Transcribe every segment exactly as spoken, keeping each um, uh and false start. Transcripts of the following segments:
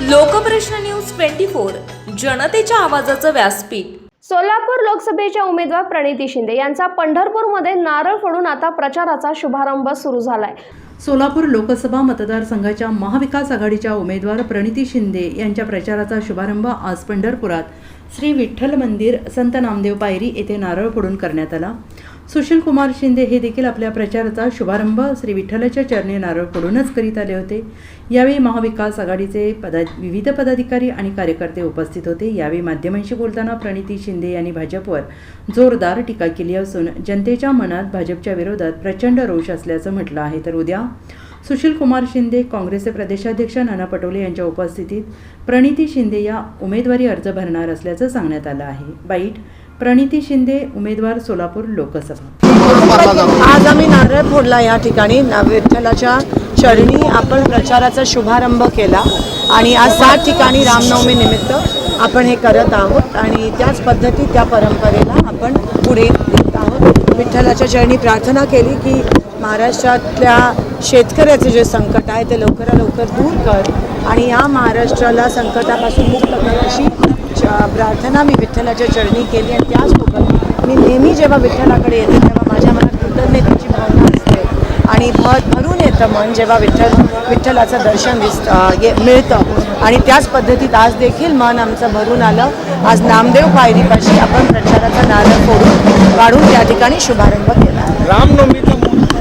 लोकप्रश्न news twenty four जनतेच्या आवाजाचं व्यासपीठ। सोलापूर लोकसभेच्या उमेदवार प्रणिती शिंदे यांचा पंढरपूरमध्ये नारळ फोडून आता प्रचाराचा शुभारंभ सुरू झालाय। सोलापूर लोकसभा मतदारसंघाच्या महाविकास आघाडीच्या उमेदवार प्रणिती शिंदे यांच्या प्रचाराचा शुभारंभ आज पंढरपुरात श्री विठ्ठल मंदिर संत नामदेव पायरी येथे नारळ फोडून करण्यात आला। सुशील कुमार शिंदे हे देखील आपल्या प्रचाराचा शुभारंभ श्री विठ्ठलाच्या चरणी नारळ फोडूनच करीत आले होते। यावेळी महाविकास आघाडीचे पदा विविध पदाधिकारी आणि कार्यकर्ते उपस्थित होते। यावेळी माध्यमांशी बोलताना प्रणिती शिंदे यांनी भाजपवर जोरदार टीका केली असून जनतेच्या मनात भाजपच्या विरोधात प्रचंड रोष असल्याचं म्हटलं आहे। तर उद्या सुशील कुमार शिंदे, काँग्रेसचे प्रदेशाध्यक्ष नाना पटोले यांच्या उपस्थितीत प्रणिती शिंदे या उमेदवारी अर्ज भरणार असल्याचं सांगण्यात आलं आहे। बाईट प्रणिती शिंदे, उमेदवार सोलापूर लोकसभा। आज आम्ही नारळ फोडला या ठिकाणी विठ्ठलाच्या चरणी आपण प्रचाराचा शुभारंभ केला आणि आज सात ठिकाणी रामनवमी निमित्त आपण हे करत आहोत आणि त्याच पद्धती त्या परंपरेला आपण पुढे नेत आहोत। विठ्ठलाच्या चरणी प्रार्थना केली की महाराष्ट्रातल्या शेतकऱ्याचे जे संकट आहे ते लवकरात लवकर दूर कर आणि या महाराष्ट्राला संकटापासून मुक्त कर अशी प्रार्थना मी विठ्ठलाच्या चरणी केली। आणि त्याचसोबत मी नेहमी जेव्हा विठ्ठलाकडे येते तेव्हा माझ्या मनात कृतज्ञतेची भावना असते आणि भर भरून येतं मन जेव्हा विठ्ठल विठ्ठलाचं दर्शन दिसतं ये मिळतं आणि त्याच पद्धतीत आज देखील मन आमचं भरून आलं। आज नामदेव पायरीपाशी आपण प्रचाराचा नारळ फोडून काढून त्या ठिकाणी शुभारंभ केला। रामनवमीचा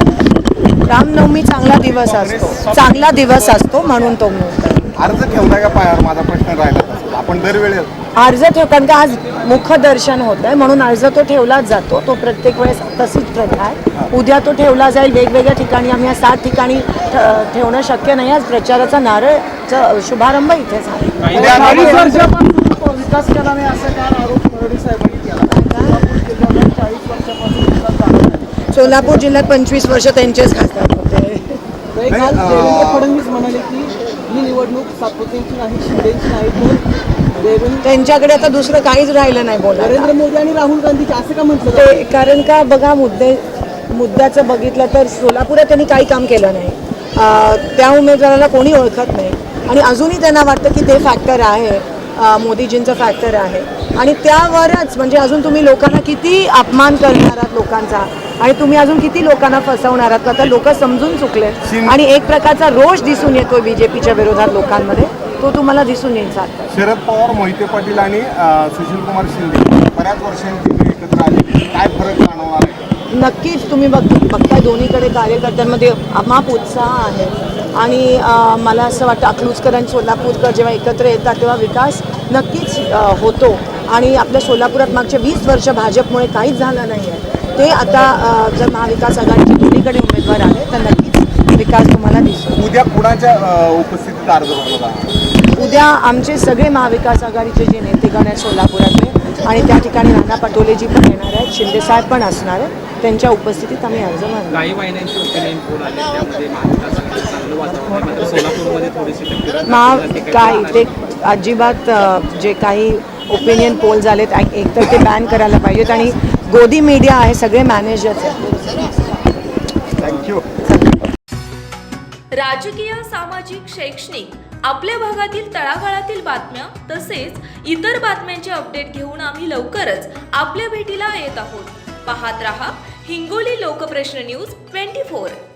रामनवमी चांगला दिवस असतो चांगला दिवस असतो म्हणून तो अर्ज ठेवला का पायावर माझा प्रश्न राहिला आपण दरवेळेस अर्ज ठेव कारण का आज मुखदर्शन होत आहे म्हणून अर्ज तो ठेवलाच जातो। तो प्रत्येक वेळेस तशीच प्रथा आहे। उद्या तो ठेवला जाईल वेगवेगळ्या ठिकाणी। आम्ही या सात ठिकाणी ठेवणं शक्य नाही। आज प्रचाराचा नारळचा शुभारंभ इथे झाला। विकास केला नाही असं काय आरोप मरोडी साहेबांनी केला। सोलापूर जिल्ह्यात पंचवीस वर्ष त्यांचेच खासदार होते। देवेंद्र फडणवीस म्हणाले की ही निवडणूक सातपुतेची नाही शिंदेची नाही तर त्यांच्याकडे आता दुसरं काहीच राहिलं नाही बोला। नरेंद्र मोदी आणि राहुल गांधीचे असं का म्हटलं ते कारण का बघा मुद्दे मुद्द्याचं बघितलं तर सोलापुरात त्यांनी काही काम केलं नाही। त्या उमेदवाराला कोणी ओळखत नाही आणि अजूनही त्यांना वाटतं की ते फॅक्टर आहे मोदीजींचं फॅक्टर आहे आणि त्यावरच म्हणजे अजून तुम्ही लोकांना किती अपमान करणार आहात लोकांचा आणि तुम्ही अजून किती लोकांना फसवणार आहात। आता लोक समजून चुकले आणि एक प्रकारचा रोष दिसून येतोय बीजेपीच्या विरोधात लोकांमध्ये तो तुम्हाला दिसून येईल। शरद पवार, मोहिते पाटील आणि सुशील कुमार शिंदे बऱ्याच वर्षांची एकत्र आले, काय फरक जाणवणार आहे? नक्कीच तुम्ही बघ बघताय दोन्हीकडे कार्यकर्त्यांमध्ये अमाप उत्साह आहे आणि मला असं वाटतं अकलूजकर आणि सोलापूरकर जेव्हा एकत्र येतात तेव्हा विकास नक्कीच होतो आणि आपल्या सोलापुरात मागच्या वीस वर्ष भाजपमुळे काहीच झालं नाही आहे। ते आता जर महाविकास आघाडीचे दोन्हीकडे उमेदवार आहेत तर नक्कीच विकास तुम्हाला दिसतो। उद्या कुणाच्या उपस्थितीत अर्ज भरला? उद्या आमचे सगळे महाविकास आघाडीचे जे नेतेगण आहेत सोलापुरातले आणि त्या ठिकाणी नाना पटोलेजी पण येणार आहेत, शिंदे साहेब पण असणार आहेत, त्यांच्या उपस्थितीत आम्ही अर्ज भरणार। काही महिन्यांची ओपिनियन पोल आले त्यामध्ये महाविकास आघाडी चांगलं वातावरण मात्र सोलापूरमध्ये थोडीशी महा काय ते अजिबात जे काही ओपिनियन पोल झालेत एकतर ते बॅन करायला पाहिजेत आणि गोदी मीडिया आहे सगळे मॅनेजर्स आहेत। थँक्यू। राजकीय, सामाजिक, शैक्षणिक आपल्या भागातील तळागाळातील बातम्या तसेच इतर बातम्यांचे अपडेट घेऊन आम्ही लवकरच आपल्या भेटीला येत आहोत। पाहत रहा हिंगोली लोकप्रश्न न्यूज ट्वेंटी फोर।